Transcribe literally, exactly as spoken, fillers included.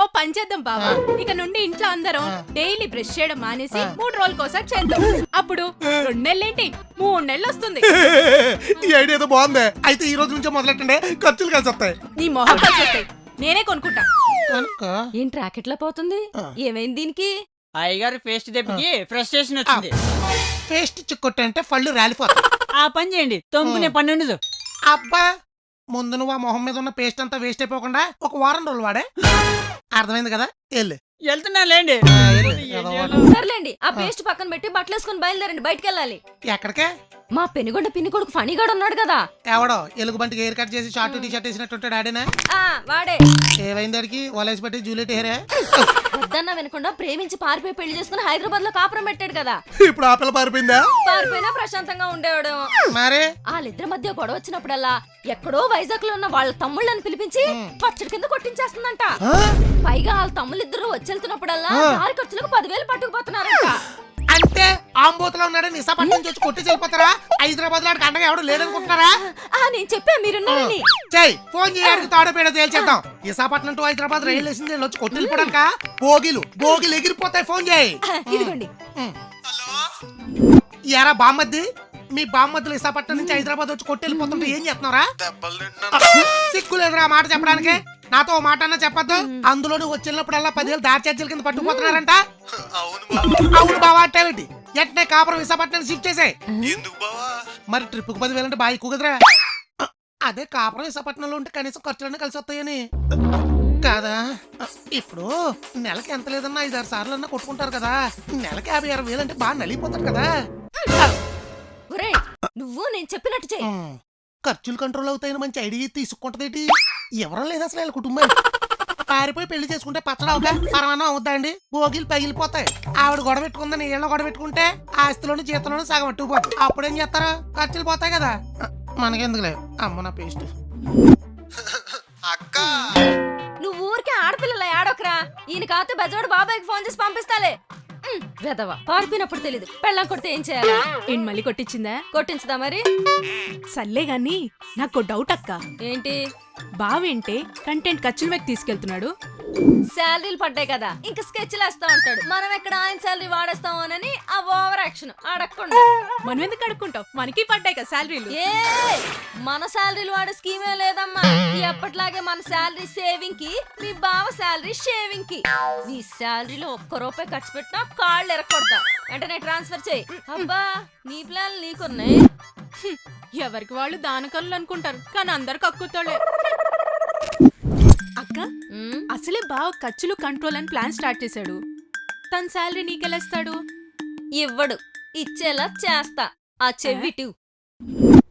పని చేద్దాం బావా, ఇక నుండి ఇంట్లో అందరం డైలీ బ్రష్ చేయడం మానేసి మూడు రోజులకోసారి చేద్దాం. అప్పుడు రెండు నెలలేంటి మూడు నెలలు వస్తుంది. ఈ ఐడియా ఏదో బాగుంది. అయితే ఈ రోజు నుంచే మొదలెట్టండి, ఖర్చులు కలిసి వస్తాయి. నీ మొహం కలిసి వస్తాయి, నేనే కొనుక్కుంటా. ఏం ట్రాకెట్ లా పోతుంది? ఏమైంది దీనికి? అయ్యగారి పేస్ట్ దెబ్బకి ఫ్రస్ట్రేషన్ వచ్చింది. పేస్ట్ చిక్కొట్టు అంటే పళ్ళు రాలిపోతాయి. ఆ పని చేయండి, తొమ్ముకునే పని ఉండదు. అబ్బా, ముందు నువ్వు ఆ మొహం మీద ఉన్న పేస్ట్ అంతా వేస్ట్ అయిపోకుండా ఒక వారం రోజులు వాడే. అర్థమైంది కదా? వెళ్ళు. వెళ్తున్నా లేండి. సర్లేండి, ఆ పేస్ట్ పక్కన పెట్టి బట్టలు వేసుకుని బయలుదేరండి, బయటికి వెళ్ళాలి. ఎక్కడికే? మా పెనుగొండ పిన్ని కొడుకు ఫణిగాడు ఉన్నాడు కదా. ఎవడో ఎలుగు బంటికి హెయిర్ కట్ చేసి షార్ట్ టీ షర్ట్ వేసినట్టుంటాడు ఆడేనా? ఆ వాడే. ఏవైంది దానికి వలేసి పెట్టి జూలియట్ హెయిరే. వద్దన్నా వినకుండా ప్రేమించి పారిపోయి పెళ్లి చేసుకుని హైదరాబాద్ లో కాపురం పెట్టాడు కదా. ఇప్పుడు ఆ పిల్ల పారిపోయిందా? పారిపోయినా ప్రశాంతంగా ఉండేవాడు. మరి వాళ్ళిద్దరి మధ్య గొడవ వచ్చినప్పుడల్లా ఎక్కడో వైజాగ్ లో ఉన్న వాళ్ళ తమ్ముళ్ళని పిలిపించి పచ్చడి కింద కొట్టించేస్తుందంట. పైగా వాళ్ళ తమ్ముళ్ళిద్దరు వచ్చెళ్తున్నప్పుడల్లా దారి ఖర్చులకు పదివేలు పట్టుకుపోతున్నారంట. అంటే ఆంబోతులో ఉన్నాడు నిసాపట్నం నుంచి వచ్చి కొట్టి వెళ్ళిపోతారా? హైదరాబాద్ లో అండగా ఎవడు లేదనుకుంటున్నారా? ఆ నేను చెప్పా మీరున్నారని. చెయ్ ఫోన్ చేయడానికి తాడోపేడ తేల్చేద్దాం. విశాఖపట్నం టు హైదరాబాద్ రైలు వేసింది వచ్చి కొట్టి వెళ్ళిపోవడానిక? బోగిలు బోగిలు ఎగిరిపోతాయి. ఫోన్ చేయి. ఇదిగోండి. ఎరా బామ్మద్ది, మీ బామ్మద్దులు విశాఖపట్నం నుంచి హైదరాబాద్ వచ్చి కొట్టి వెళ్ళిపోతుంటే ఏం చేస్తున్నారా? సిగ్గులేదురా మాట చెప్పడానికి. నాతో ఓ మాట అన్నా చెప్పొద్దు. అందులో నువ్వు వచ్చినప్పుడల్లా పదివేలు దారి ఛార్జీల కింద పట్టుకుపోతున్నారంట. అవును బావా అంటే ఎట్నే కాపురం విశాఖపట్నం షిఫ్ట్ చేసాయి. మరి ట్రిప్ కు పదివేలు అంటే బాగా ఎక్కువ కదరా? అదే కాపురం విశాఖపట్నంలో ఉంటే కనీసం ఖర్చులన్నీ కలిసి వస్తాయని కాదా? ఇప్పుడు నెలకి ఎంత లేదన్నా ఐదు ఆరు సార్లు అన్నా కొట్టుకుంటారు కదా. నెలకి యాభై అరవై వేలు అంటే బాగా నలిగిపోతారు కదా. నువ్వు నేను చెప్పినట్టు చెయ్యి. ఖర్చులు కంట్రోల్ అవుతాయని మంచి ఐడియా తీసుకుంటదేటి? ఎవరో లేదు అసలు వీళ్ళ కుటుంబం. పారిపోయి పెళ్లి చేసుకుంటే పచ్చడి అవుతా పరమానం అవుద్దా అండి? భోగిలు పగిలిపోతాయి. ఆవిడ గొడవ పెట్టుకుందని ఏళ్ళ గొడవ పెట్టుకుంటే ఆస్తిలోని జీతంలోని సగం అట్టుకుపోతుంది. అప్పుడేం చేస్తారు? ఖర్చులు పోతాయి కదా. మనకెందుకులే అమ్మ నా పేస్ట్. అక్క నువ్వు ఊరికే ఆడపిల్లల ఆడొకరా. ఈయన కాతే బజోడు బాబాయ్కి ఫోన్ చేసి పంపిస్తాలే. వెదవా పారిపోయినప్పుడు తెలీదు. పెళ్ళం కొడితే ఏం చేయాలి? ఏం మళ్ళీ కొట్టించిందా? కొట్టించదా మరి? సర్లే గాని నాకు డౌట్ అక్క. ఏంటి? బావేంటే కంటెంట్ ఖర్చుల వైపు తీసుకెళ్తున్నాడు. శాలరీలు పడ్డాయి కదా, ఇంకా స్కెచ్లు వేస్తా ఉంటాడు. మనం ఎక్కడ ఆయన శాలరీ వాడేస్తామోనని ఆ ఓవర్ యాక్షన్ అడగకుండా. మనం ఎందుకు అడుక్కుంటాం? మనకి పడ్డాయి కదా శాలరీలు. ఏ మన శాలరీలు వాడే స్కీమే లేదమ్మా. ఎప్పటిలాగే మన శాలరీ సేవింగ్ కి, మీ బావ శాలరీ షేవింగ్ కి. నీ శాలరీలో ఒక్క రూపాయి ఖర్చు పెట్టినా కాళ్ళు ఎరక్కొడతా. వెంటనే ట్రాన్స్ఫర్ చేయి. అబ్బా నీ ప్లాన్ నీకున్నాయి. ఎవరికి వాళ్ళు దానకల్లు అనుకుంటారు, కానీ అందరు కక్కుతాళ్లే. అక్క అసలే బాగా ఖర్చులు కంట్రోల్ అని ప్లాన్ స్టార్ట్ చేశాడు. తన శాలరీ నీకెళ్ళేస్తాడు? ఇవ్వడు. ఇచ్చేలా చేస్తా. ఆ చెవిటి